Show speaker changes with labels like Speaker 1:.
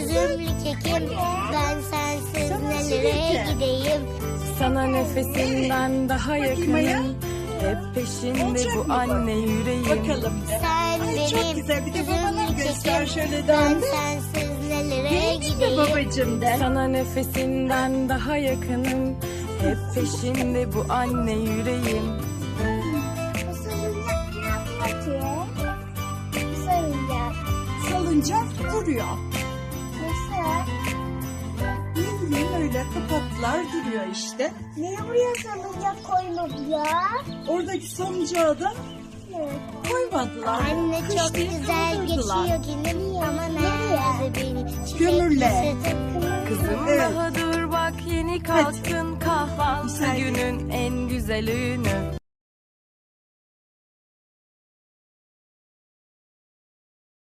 Speaker 1: üzümlü kekim. Ben sensiz nelere gideyim.
Speaker 2: Sana nefesinden daha yakınım. Hep peşinde bu anne yüreğim.
Speaker 3: Bakalım de.
Speaker 1: Sen
Speaker 3: Ay, çok
Speaker 1: benim
Speaker 3: güzel. Bir de babana
Speaker 1: üzümlü
Speaker 3: göster
Speaker 1: kekim.
Speaker 3: şöyle
Speaker 1: Ben
Speaker 3: döndü.
Speaker 1: sensiz nelere
Speaker 3: Değil mi
Speaker 1: gideyim.
Speaker 3: babacığım de?
Speaker 2: Sana nefesinden daha yakınım. Hep peşinde bu anne yüreğim.
Speaker 1: Bu salıncak ne yapıyor ki? Bu salıncak
Speaker 3: Salıncak duruyor.
Speaker 1: nasıl?
Speaker 3: Ne bileyim öyle kapattılar duruyor işte.
Speaker 1: Niye buraya salıncak koymadılar?
Speaker 3: Oradaki salıncağı da koymadılar.
Speaker 1: Anne çok
Speaker 3: Kış diye
Speaker 1: güzel
Speaker 3: kaldırdılar.
Speaker 1: geçiyor günüm ama nerede benim
Speaker 3: Kömürle.
Speaker 2: Kızım
Speaker 3: Evet.
Speaker 2: daha dur bak yeni kalktın, kahvaltı
Speaker 3: Güzel.
Speaker 2: günün en güzel öğünü.